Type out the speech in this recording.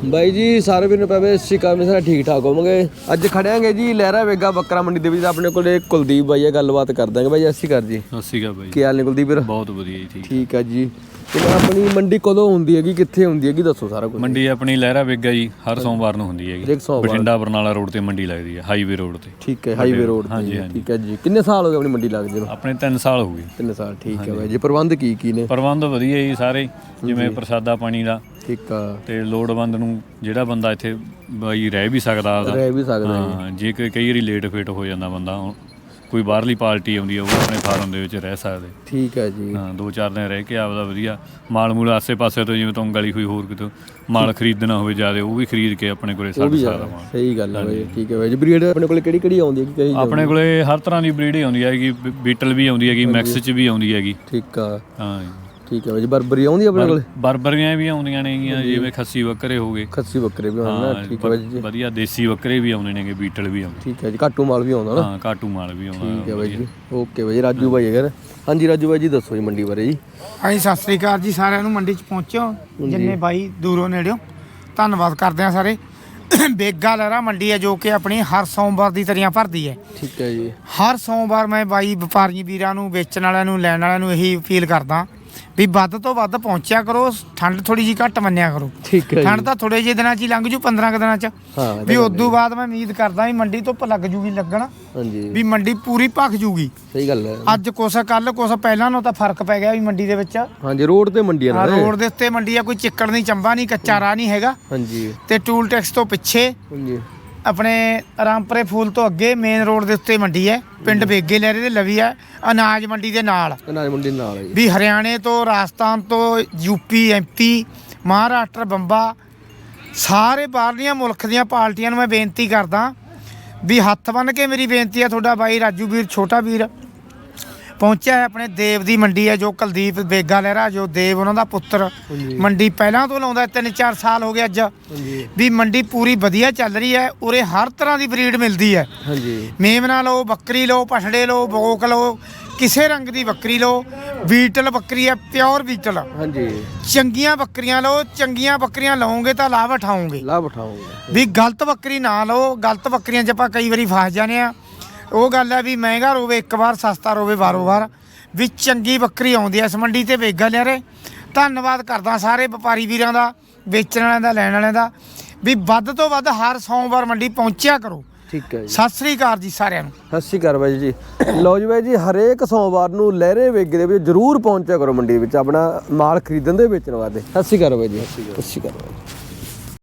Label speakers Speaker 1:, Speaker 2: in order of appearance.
Speaker 1: ਬਾਈ ਜੀ ਸਾਰੇ ਵੀਰ ਨੂੰ ਪਵੇ ਸਿੱਕਾ ਮੈਂ ਸਾਰਾ ਠੀਕ ਠਾਕ ਹੋਵਾਂਗੇ। ਅੱਜ ਖੜਿਆਂਗੇ ਜੀ ਲਹਿਰਾ ਵੇਗਾ ਬੱਕਰਾ ਮੰਡੀ ਦੇ ਵਿੱਚ। ਆਪਣੇ ਕੋਲੇ ਕੁਲਦੀਪ ਬਾਈ ਹੈ, ਗੱਲਬਾਤ ਕਰ ਦਾਂਗੇ। ਬਾਈ ਸਤਿ ਸ਼੍ਰੀ ਅਕਾਲ ਜੀ।
Speaker 2: ਸਤਿ ਸ਼੍ਰੀ ਅਕਾਲ ਬਾਈ।
Speaker 1: ਕੀ ਹਾਲ ਨੇ ਕੁਲਦੀਪ ਵੀਰ?
Speaker 2: ਬਹੁਤ ਵਧੀਆ ਜੀ।
Speaker 1: ਠੀਕ ਹੈ ਜੀ। ਤੇ ਆਪਣੀ ਮੰਡੀ ਕਦੋਂ ਹੁੰਦੀ ਹੈਗੀ, ਕਿੱਥੇ ਹੁੰਦੀ ਹੈਗੀ, ਦੱਸੋ ਸਾਰਾ ਕੁਝ।
Speaker 2: ਮੰਡੀ ਆਪਣੀ ਲਹਿਰਾ ਵੇਗਾ ਜੀ ਹਰ ਸੋਮਵਾਰ ਨੂੰ ਹੁੰਦੀ ਹੈਗੀ। ਬਠਿੰਡਾ ਬਰਨਾਲਾ ਰੋਡ ਤੇ ਮੰਡੀ ਲੱਗਦੀ ਹੈ, ਹਾਈਵੇ ਰੋਡ ਤੇ।
Speaker 1: ਠੀਕ ਹੈ, ਹਾਈਵੇ ਰੋਡ ਤੇ।
Speaker 2: ਹਾਂਜੀ
Speaker 1: ਠੀਕ ਹੈ ਜੀ। ਕਿੰਨੇ ਸਾਲ ਹੋ ਗਏ ਆਪਣੀ ਮੰਡੀ ਲੱਗਦੀ ਨੂੰ?
Speaker 2: ਆਪਣੇ 3 ਸਾਲ ਹੋ ਗਏ।
Speaker 1: 3 ਸਾਲ। ਠੀਕ ਹੈ ਬਾਈ ਜੀ। ਪ੍ਰਬੰਧ ਕੀ ਨੇ?
Speaker 2: ਪ੍ਰਬੰਧ ਵਧੀਆ ਜੀ ਸਾਰੇ, ਜਿਵੇਂ ਪ੍ਰਸਾਦਾ ਪਾਣੀ ਦਾ।
Speaker 1: ਠੀਕ ਆ।
Speaker 2: ਤੇ ਲੋੜਵੰਦ ਨੂੰ ਜਿਹੜਾ ਬੰਦਾ ਇੱਥੇ ਬਾਈ ਰਹਿ ਵੀ ਸਕਦਾ ਹਾਂ, ਜੇ ਕਈ ਵਾਰੀ ਲੇਟ ਫੇਟ ਹੋ ਜਾਂਦਾ ਬੰਦਾ, ਕੋਈ ਬਾਹਰਲੀ ਪਾਰਟੀ ਆਉਂਦੀ ਹੈ ਉਹ ਆਪਣੇ ਫਾਰਮ ਦੇ ਵਿੱਚ ਰਹਿ ਸਕਦੇ।
Speaker 1: ਠੀਕ ਹੈ ਜੀ।
Speaker 2: ਹਾਂ 2-4 ਦਿਨ ਰਹਿ ਕੇ ਆਪਦਾ ਵਧੀਆ ਮਾਲ ਮੂਲ ਆਸੇ ਪਾਸੇ ਤੋਂ, ਜਿਵੇਂ ਤੋਂ ਗਲੀ ਹੋਈ ਹੋਰ ਕਿਤੋਂ ਮਾਲ ਖਰੀਦਣਾ ਹੋਵੇ ਜ਼ਿਆਦਾ, ਉਹ ਵੀ ਖਰੀਦ ਕੇ ਆਪਣੇ ਕੋਲੇ ਛੱਡ ਸਕਦਾ ਮਾਲ।
Speaker 1: ਸਹੀ ਗੱਲ ਹੈ ਬਾਈ। ਠੀਕ ਹੈ ਬਾਈ ਜੀ। ਬਰੀਡ ਆਪਣੇ ਕੋਲੇ ਕਿਹੜੀ ਕਿਹੜੀ ਆਉਂਦੀ ਹੈ?
Speaker 2: ਆਪਣੇ ਕੋਲੇ ਹਰ ਤਰ੍ਹਾਂ ਦੀ ਬਰੀਡ ਹੀ ਆਉਂਦੀ ਹੈਗੀ। ਬੀਟਲ ਵੀ ਆਉਂਦੀ ਹੈਗੀ, ਮੈਕਸ ਚ ਵੀ ਆਉਂਦੀ ਹੈਗੀ।
Speaker 1: ਠੀਕ ਆ।
Speaker 2: ਹਾਂ
Speaker 1: ਠੀਕ ਹੈ ਬਾਈ ਜੀ। ਬਰਬਰੀ ਆਉਂਦੀ ਆਪਣੇ ਕੋਲੇ?
Speaker 2: ਬਰਬਰੀਆਂ ਵੀ ਆਉਂਦੀਆਂ ਨੇਗੀਆਂ, ਜਿਵੇਂ ਖੱਸੀ ਬੱਕਰੇ ਹੋ ਗਏ।
Speaker 1: ਖੱਸੀ ਬੱਕਰੇ ਵੀ ਆਉਂਦੇ। ਠੀਕ ਹੈ ਬਾਈ ਜੀ।
Speaker 2: ਵਧੀਆ ਦੇਸੀ ਬੱਕਰੇ ਵੀ ਆਉਂਦੇ ਨੇਗੇ, ਬੀਟਲ ਵੀ ਆਉਂਦੇ।
Speaker 1: ਠੀਕ ਹੈ ਜੀ। ਕਾਟੂ ਮਾਲ ਵੀ ਆਉਂਦਾ ਨਾ?
Speaker 2: ਹਾਂ ਕਾਟੂ ਮਾਲ ਵੀ ਆਉਂਦਾ।
Speaker 1: ਠੀਕ ਹੈ ਬਾਈ ਜੀ। ਓਕੇ ਬਾਈ ਜੀ। ਰਾਜੂ ਬਾਈ ਹੈਗਾ। ਹਾਂਜੀ ਰਾਜੂ ਬਾਈ ਜੀ, ਦੱਸੋ ਜੀ ਮੰਡੀ ਬਾਰੇ ਜੀ।
Speaker 3: ਹਾਂਜੀ ਸਤਿ ਸ੍ਰੀ ਅਕਾਲ ਜੀ ਸਾਰਿਆਂ ਨੂੰ। ਮੰਡੀ 'ਚ ਪਹੁੰਚੋ ਜਿੰਨੇ ਬਾਈ ਦੂਰੋਂ ਨੇੜਿਓਂ, ਧੰਨਵਾਦ ਕਰਦੇ ਹਾਂ ਸਾਰੇ। ਬੇਗਾ ਲਹਿਰਾ ਮੰਡੀ ਹੈ ਜੋ ਕਿ ਆਪਣੀ ਹਰ ਸੋਮਵਾਰ ਦੀ ਤਰੀਆਂ ਭਰਦੀ ਹੈ।
Speaker 1: ਠੀਕ ਹੈ ਜੀ।
Speaker 3: ਹਰ ਸੋਮਵਾਰ ਮੈਂ ਬਾਈ ਵਪਾਰੀ ਵੀਰਾਂ ਨੂੰ, ਵੇਚਣ ਵਾਲਿਆਂ ਨੂੰ, ਲੈਣ ਵਾਲਿਆਂ ਨੂੰ ਇਹੀ ਅਪੀਲ ਕਰਦਾ ਵੀ ਵੱਧ ਤੋਂ ਵੱਧ ਪਹੁੰਚਿਆ ਕਰੋ। ਠੰਡ ਥੋੜੀ ਜਿਹੀ ਘੱਟ ਮੰਨਿਆ ਕਰੋ।
Speaker 1: ਠੀਕ ਹੈ।
Speaker 3: ਠੰਡ ਤਾਂ ਥੋੜੇ ਜਿਹੇ ਦਿਨਾਂ 'ਚ ਹੀ ਲੰਘ ਜੂ, 15 ਕੁ ਦਿਨਾਂ 'ਚ ਵੀ। ਉਦੋਂ ਬਾਅਦ ਮੈਂ ਉਮੀਦ ਕਰਦਾ ਵੀ ਮੰਡੀ ਧੁੱਪ ਲੱਗ ਜੂਗੀ ਲੱਗਣ,
Speaker 1: ਹਾਂਜੀ, ਵੀ
Speaker 3: ਮੰਡੀ ਪੂਰੀ ਭਖ ਜੂਗੀ।
Speaker 1: ਸਹੀ ਗੱਲ ਹੈ।
Speaker 3: ਅੱਜ ਕੁਛ ਕੱਲ ਕੁਛ ਪਹਿਲਾਂ ਨੂੰ ਤਾਂ ਫਰਕ ਪੈ ਗਿਆ ਵੀ ਮੰਡੀ ਦੇ ਵਿੱਚ।
Speaker 1: ਹਾਂਜੀ ਰੋਡ ਤੇ ਮੰਡੀ ਆ,
Speaker 3: ਰੋਡ ਦੇ ਉੱਤੇ ਮੰਡੀ ਆ, ਕੋਈ ਚਿੱਕੜ ਨਹੀਂ, ਚੰਬਾ ਨਹੀਂ, ਕੱਚਾ ਰਾਹ ਨਹੀਂ ਹੈਗਾ।
Speaker 1: ਹਾਂਜੀ। ਤੇ
Speaker 3: ਟੂਲ ਟੈਕਸ ਤੋਂ ਪਿੱਛੇ
Speaker 1: ਹਾਂਜੀ
Speaker 3: ਆਪਣੇ ਰਾਮਪੁਰੇ ਫੂਲ ਤੋਂ ਅੱਗੇ ਮੇਨ ਰੋਡ ਦੇ ਉੱਤੇ ਮੰਡੀ ਹੈ। ਪਿੰਡ ਬੇਗੇ ਲਹਿਰੇ ਦੇ ਲਵੀ ਹੈ, ਅਨਾਜ ਮੰਡੀ ਦੇ ਨਾਲ।
Speaker 1: ਅਨਾਜ ਮੰਡੀ ਨਾਲ ਹੈ
Speaker 3: ਵੀ ਹਰਿਆਣੇ ਤੋਂ, ਰਾਜਸਥਾਨ ਤੋਂ, ਯੂਪੀ, ਐਮਪੀ, ਮਹਾਰਾਸ਼ਟਰ, ਬੰਬਾ, ਸਾਰੇ ਬਾਹਰਲੀਆਂ ਮੁਲਕ ਦੀਆਂ ਪਾਰਟੀਆਂ ਨੂੰ ਮੈਂ ਬੇਨਤੀ ਕਰਦਾ ਵੀ ਹੱਥ ਬੰਨ੍ਹ ਕੇ ਮੇਰੀ ਬੇਨਤੀ ਹੈ, ਤੁਹਾਡਾ ਬਾਈ ਰਾਜੂ ਵੀਰ, ਛੋਟਾ ਵੀਰ ਪਹੁੰਚਿਆ ਹੈ। ਆਪਣੇ ਦੇਵ ਦੀ ਮੰਡੀ ਹੈ ਜੋ ਕੁਲਦੀਪ ਬੇਗਾ ਲਹਿਰਾ, ਜੋ ਦੇਵ ਉਹਨਾਂ ਦਾ ਪੁੱਤਰ ਮੰਡੀ ਪਹਿਲਾਂ ਤੋਂ ਲਾਉਂਦਾ, 3-4 ਸਾਲ ਹੋ ਗਏ ਅੱਜ। ਵੀ ਮੰਡੀ ਪੂਰੀ ਵਧੀਆ ਚੱਲ ਰਹੀ ਹੈ। ਉਰੇ ਹਰ ਤਰ੍ਹਾਂ ਦੀ ਬਰੀਡ ਮਿਲਦੀ ਹੈ। ਮੇਮਨਾ ਲਓ, ਬੱਕਰੀ ਲਓ, ਪਠੜੇ ਲਓ, ਬੋਕ ਲਓ, ਕਿਸੇ ਰੰਗ ਦੀ ਬੱਕਰੀ ਲਓ। ਬੀਟਲ ਬੱਕਰੀ ਹੈ, ਪਿਓਰ ਬੀਟਲ। ਹਾਂਜੀ। ਚੰਗੀਆਂ ਬੱਕਰੀਆਂ ਲਓ, ਚੰਗੀਆਂ ਬੱਕਰੀਆਂ ਲਓਗੇ ਤਾਂ ਲਾਭ ਉਠਾਓਗੇ। ਵੀ ਗਲਤ ਬੱਕਰੀ ਨਾ ਲਓ। ਗਲਤ ਬੱਕਰੀਆਂ 'ਚ ਆਪਾਂ ਕਈ ਵਾਰੀ ਫਸ ਜਾਂਦੇ ਆ। ਉਹ ਗੱਲ ਹੈ ਵੀ ਮਹਿੰਗਾ ਰੋਵੇ ਇੱਕ ਵਾਰ, ਸਸਤਾ ਰੋਵੇ ਬਾਰੋ ਵਾਰ। ਵੀ ਚੰਗੀ ਬੱਕਰੀ ਆਉਂਦੀ ਹੈ ਇਸ ਮੰਡੀ ਤੇ ਬੇਗਾ ਲਹਿਰੇ। ਧੰਨਵਾਦ ਕਰਦਾ ਸਾਰੇ ਵਪਾਰੀ ਵੀਰਾਂ ਦਾ, ਵੇਚਣ ਵਾਲਿਆਂ ਦਾ, ਲੈਣ ਵਾਲਿਆਂ ਦਾ, ਵੀ ਵੱਧ ਤੋਂ ਵੱਧ ਹਰ ਸੋਮਵਾਰ ਮੰਡੀ ਪਹੁੰਚਿਆ ਕਰੋ। ਠੀਕ ਹੈ ਜੀ। ਸਤਿ ਸ੍ਰੀ ਅਕਾਲ ਜੀ ਸਾਰਿਆਂ ਨੂੰ।
Speaker 1: ਸਤਿ ਸ੍ਰੀ ਅਕਾਲ ਬਾਈ ਜੀ। ਲਓ ਜੀ ਬਾਈ ਜੀ, ਹਰੇਕ ਸੋਮਵਾਰ ਨੂੰ ਲਹਿਰੇ ਵੇਗੇ ਦੇ ਵਿੱਚ ਜ਼ਰੂਰ ਪਹੁੰਚਿਆ ਕਰੋ ਮੰਡੀ ਵਿੱਚ ਆਪਣਾ ਮਾਲ ਖਰੀਦਣ ਦੇ, ਵੇਚਣ ਵਾਸਤੇ। ਸਤਿ ਸ੍ਰੀ ਅਕਾਲ ਬਾਈ ਜੀ। ਸਤਿ ਸ੍ਰੀ ਅਕਾਲ।